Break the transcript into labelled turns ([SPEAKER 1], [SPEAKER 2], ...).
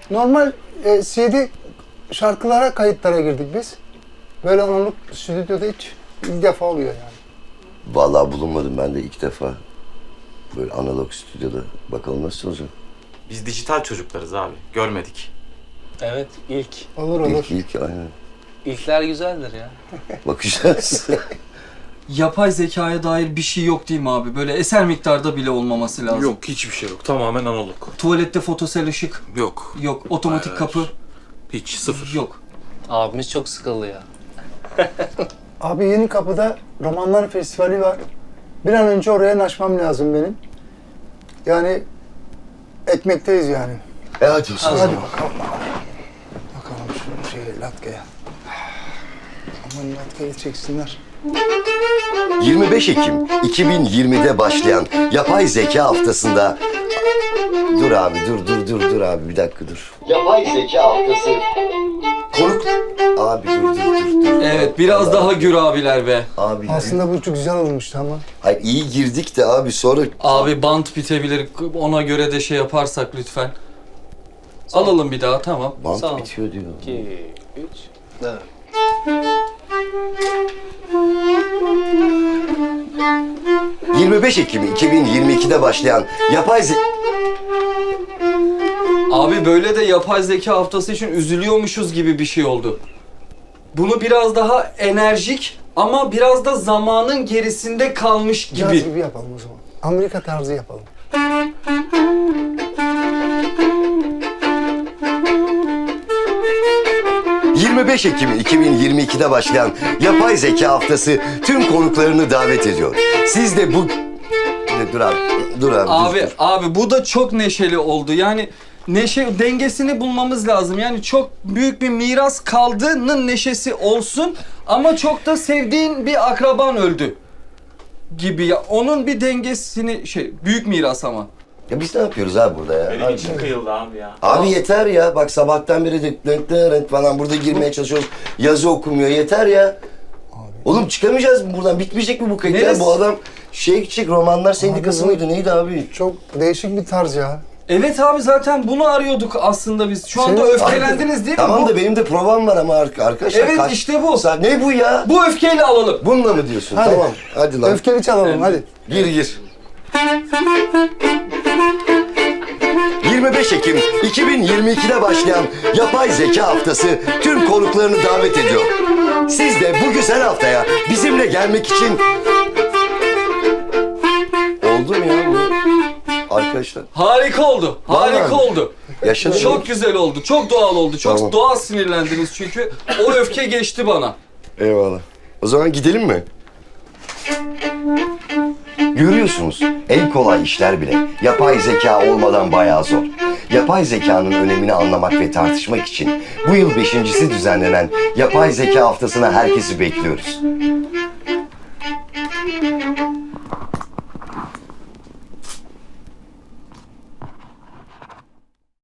[SPEAKER 1] Normal CD şarkılara, kayıtlara girdik biz. Böyle analog stüdyoda hiç ilk defa oluyor yani.
[SPEAKER 2] Vallahi bulunmadım ben de ilk defa. Böyle analog stüdyoda. Bakalım nasıl olacak?
[SPEAKER 3] Biz dijital çocuklarız abi. Görmedik.
[SPEAKER 4] Evet, ilk.
[SPEAKER 1] Olur olur.
[SPEAKER 2] İlk aynen.
[SPEAKER 4] İlkler güzeldir ya.
[SPEAKER 2] Bakacağız.
[SPEAKER 5] Yapay zekaya dair bir şey yok değil mi abi? Böyle eser miktarda bile olmaması lazım.
[SPEAKER 6] Yok, hiçbir şey yok. Tamamen analog.
[SPEAKER 5] Tuvalette fotosel ışık
[SPEAKER 6] Yok.
[SPEAKER 5] yok. Otomatik
[SPEAKER 6] Hayır,
[SPEAKER 5] kapı
[SPEAKER 6] hiç, sıfır.
[SPEAKER 5] yok.
[SPEAKER 4] Abimiz çok sıkıldı ya.
[SPEAKER 1] Abi Yeni Kapı'da Romanlar Festivali var. Bir an önce oraya naşmam lazım benim. Yani ekmekteyiz yani.
[SPEAKER 2] Hadi olsun.
[SPEAKER 1] Hadi bakalım. Bakalım şu latkeye. Aman latkeyi çeksinler.
[SPEAKER 2] 25 Ekim 2020'de başlayan yapay zeka haftasında... Dur abi, dur abi, bir dakika dur. Yapay zeka haftası. Konuk... Abi dur.
[SPEAKER 5] Evet, biraz daha gür abiler be.
[SPEAKER 2] Abi,
[SPEAKER 1] Aslında bu çok güzel olmuştu ama.
[SPEAKER 2] hayır iyi girdik de abi sonra...
[SPEAKER 5] Abi bant bitebilir. Ona göre de şey yaparsak lütfen. Alalım bir daha, tamam.
[SPEAKER 2] Bant
[SPEAKER 4] Sağ ol.
[SPEAKER 2] bitiyor diyor.
[SPEAKER 4] 2, 3, 4.
[SPEAKER 2] ...25 Ekim 2022'de başlayan yapay
[SPEAKER 5] Abi böyle de yapay zeka haftası için üzülüyormuşuz gibi bir şey oldu. Bunu biraz daha enerjik ama biraz da zamanın gerisinde kalmış
[SPEAKER 1] Caz
[SPEAKER 5] gibi.
[SPEAKER 1] gibi yapalım o zaman. Amerika tarzı yapalım.
[SPEAKER 2] ...25 Ekim 2022'de başlayan yapay zeka haftası tüm konuklarını davet ediyor. Siz de bu... Dur abi.
[SPEAKER 5] Abi,
[SPEAKER 2] dur.
[SPEAKER 5] abi bu da çok neşeli oldu. Yani neşe dengesini bulmamız lazım. Yani çok büyük bir miras kaldığının neşesi olsun ama çok da sevdiğin bir akraban öldü gibi ya. Onun bir dengesini büyük miras ama.
[SPEAKER 2] Ya biz ne yapıyoruz abi burada ya?
[SPEAKER 3] Benim
[SPEAKER 2] Abi,
[SPEAKER 3] içim kıyıldı abi ya.
[SPEAKER 2] abi yeter ya. Bak sabahtan beri de falan burada girmeye çalışıyoruz. Yazı okumuyor. Yeter ya. Oğlum çıkamayacağız mı buradan? Bitmeyecek mi bu kayıt ya?
[SPEAKER 5] Neresi?
[SPEAKER 2] Bu adam Romanlar Sendikası
[SPEAKER 1] bu-
[SPEAKER 2] mıydı? Neydi abi?
[SPEAKER 1] Çok değişik bir tarz ya.
[SPEAKER 5] Evet abi, zaten bunu arıyorduk aslında biz. Şu anda
[SPEAKER 1] Senin-
[SPEAKER 5] öfkelendiniz değil mi?
[SPEAKER 2] Tamam
[SPEAKER 5] Bu-
[SPEAKER 2] da benim de provam var ama arkadaşlar.
[SPEAKER 5] Evet, işte bu.
[SPEAKER 2] Ne bu ya?
[SPEAKER 5] Bu öfkeyle alalım.
[SPEAKER 2] Bununla mı diyorsun?
[SPEAKER 1] Hadi.
[SPEAKER 2] Tamam. Hadi lan.
[SPEAKER 1] Öfkeli çalalım hadi.
[SPEAKER 2] Gir. 25 Ekim 2022'de başlayan yapay zeka haftası tüm konuklarını davet ediyor. Siz de bu güzel haftaya bizimle gelmek için... Oldu mu ya bu? Arkadaşlar
[SPEAKER 5] Harika oldu. Harika
[SPEAKER 2] Vallahi.
[SPEAKER 5] oldu.
[SPEAKER 2] yaşadık.
[SPEAKER 5] Çok güzel oldu. Çok doğal oldu. Çok
[SPEAKER 2] Tamam.
[SPEAKER 5] doğal sinirlendiniz çünkü. O öfke geçti bana.
[SPEAKER 2] Eyvallah. O zaman gidelim mi? Görüyorsunuz, en kolay işler bile yapay zeka olmadan bayağı zor. Yapay zekanın önemini anlamak ve tartışmak için bu yıl 5.'si düzenlenen Yapay Zeka Haftası'na herkesi bekliyoruz.